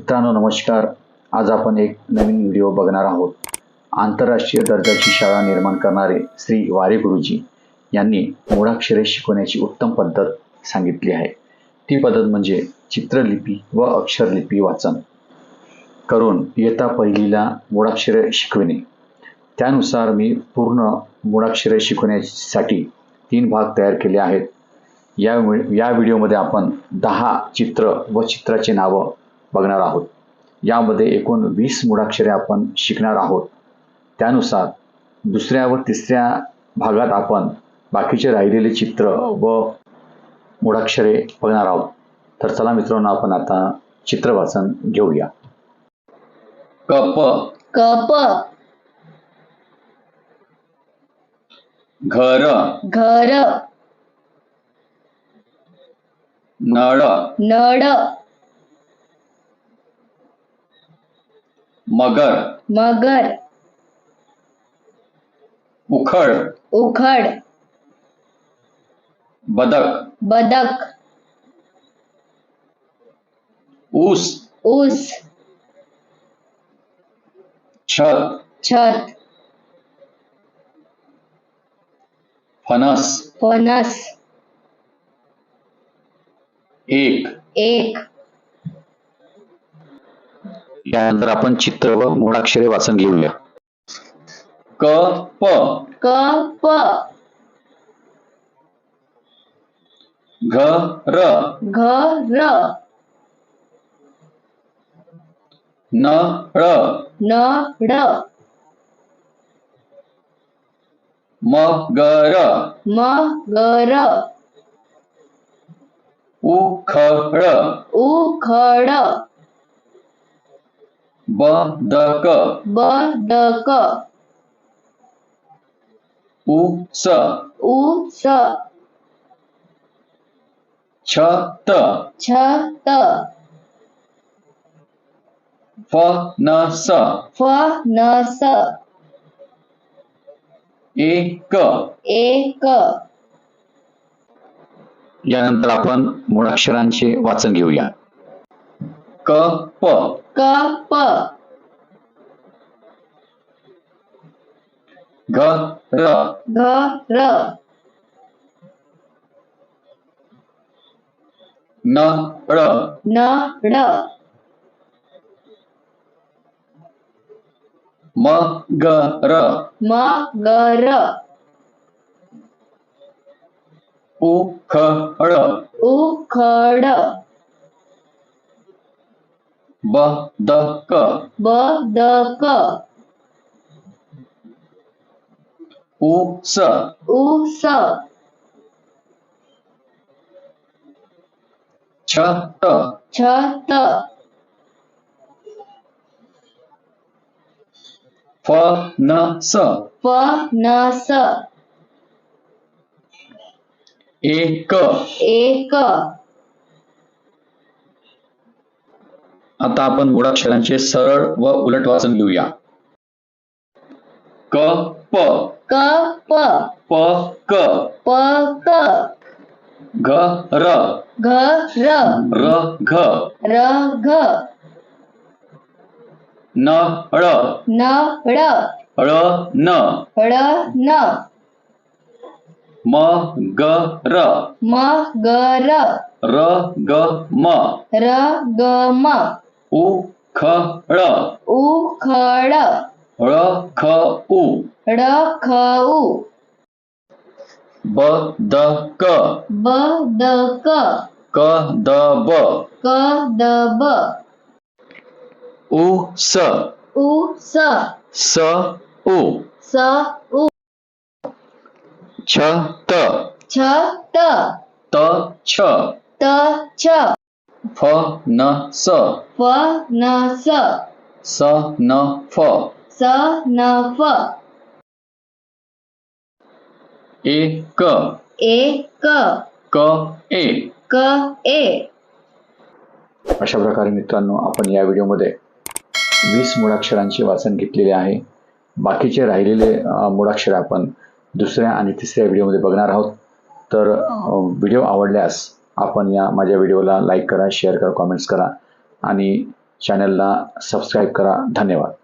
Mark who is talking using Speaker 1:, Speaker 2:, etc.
Speaker 1: मित्रांनो नमस्कार. आज आपण एक नवीन व्हिडिओ बघणार आहोत. आंतरराष्ट्रीय दर्जाची शाळा निर्माण करणारे श्री वारे गुरुजी यांनी मूळाक्षरे शिकवण्याची उत्तम पद्धत सांगितली आहे. ती पद्धत म्हणजे चित्रलिपी व अक्षरलिपी वाचन करून इयत्ता पहिलीला मूळाक्षरे शिकविणे. त्यानुसार मी पूर्ण मूळाक्षरे शिकवण्यासाठी 3 भाग तयार केले आहेत. या व्हिडिओमध्ये आपण 10 चित्र व चित्राचे नावं बघणार आहोत. यामध्ये एकूण 20 मूळाक्षरे आपण शिकणार आहोत. त्यानुसार दुसऱ्या व तिसऱ्या भागात आपण बाकीचे राहिलेले चित्र व मूळाक्षरे बघणार आहोत. तर चला मित्रांनो, आपण आता चित्र वाचन घेऊया.
Speaker 2: कप
Speaker 3: कप
Speaker 2: घर
Speaker 3: घर
Speaker 2: नळ
Speaker 3: नळ
Speaker 2: मगर
Speaker 3: मगर
Speaker 2: उखळ
Speaker 3: उखड
Speaker 2: बदक
Speaker 3: बदक
Speaker 2: ऊस
Speaker 3: ऊस
Speaker 2: छत
Speaker 3: छत
Speaker 2: फणस
Speaker 3: फणस
Speaker 2: एक
Speaker 3: एक
Speaker 1: यानंतर आपण चित्र व मूळाक्षरे वाचन घेऊया.
Speaker 2: कप
Speaker 3: कप
Speaker 2: घर
Speaker 3: घर
Speaker 2: नळ
Speaker 3: नळ
Speaker 2: मगर
Speaker 3: मगर
Speaker 2: उखळ
Speaker 3: उखड
Speaker 2: बदक
Speaker 3: बदक
Speaker 2: ऊस
Speaker 3: ऊस
Speaker 2: छत
Speaker 3: छत
Speaker 2: फणस
Speaker 3: फणस
Speaker 2: एक
Speaker 3: एक
Speaker 1: यानंतर आपण मूळाक्षरांचे वाचन घेऊया.
Speaker 2: कप
Speaker 3: कप
Speaker 2: घर
Speaker 3: घर
Speaker 2: नळ
Speaker 3: नळ
Speaker 2: मगर
Speaker 3: मगर
Speaker 2: उखळ
Speaker 3: उखड
Speaker 2: बदक
Speaker 3: बदक
Speaker 2: ऊस
Speaker 3: ऊस
Speaker 2: छत
Speaker 3: छत
Speaker 2: फणस
Speaker 3: फणस
Speaker 2: एक
Speaker 3: एक
Speaker 1: आता आपण मूळाक्षरांचे सरळ व उलट वाचन घेऊया.
Speaker 2: कप
Speaker 3: कप
Speaker 2: पक
Speaker 3: पक
Speaker 2: घर
Speaker 3: घर
Speaker 2: रघ
Speaker 3: रघ
Speaker 2: नळ
Speaker 3: नळ
Speaker 2: ळन
Speaker 3: ळन
Speaker 2: मगर
Speaker 3: मगर
Speaker 2: रगम
Speaker 3: रगम
Speaker 2: उखळ
Speaker 3: उखड
Speaker 2: रखऊ
Speaker 3: रखऊ
Speaker 2: बदक
Speaker 3: बदक
Speaker 2: कदब
Speaker 3: कदब
Speaker 2: ऊस
Speaker 3: ऊस
Speaker 2: सऊ
Speaker 3: सऊ
Speaker 2: छत
Speaker 3: छत
Speaker 2: तछ
Speaker 3: तछ
Speaker 2: फणस
Speaker 3: फणस
Speaker 2: सनफ
Speaker 3: सनफ
Speaker 2: एक
Speaker 3: एक
Speaker 2: कए
Speaker 3: कए
Speaker 1: अशा प्रकारे मित्रांनो, आपण या व्हिडिओमध्ये 20 मूळाक्षरांचे वाचन घेतलेले आहे. बाकीचे राहिलेले मूळाक्षरे आपण दुसऱ्या आणि तिसऱ्या व्हिडिओमध्ये बघणार आहोत. तर व्हिडिओ आवडल्यास आपण माझ्या व्हिडिओला लाईक करा, शेअर करा, कॉमेंट्स करा आणि चॅनलला सबस्क्राईब करा. धन्यवाद.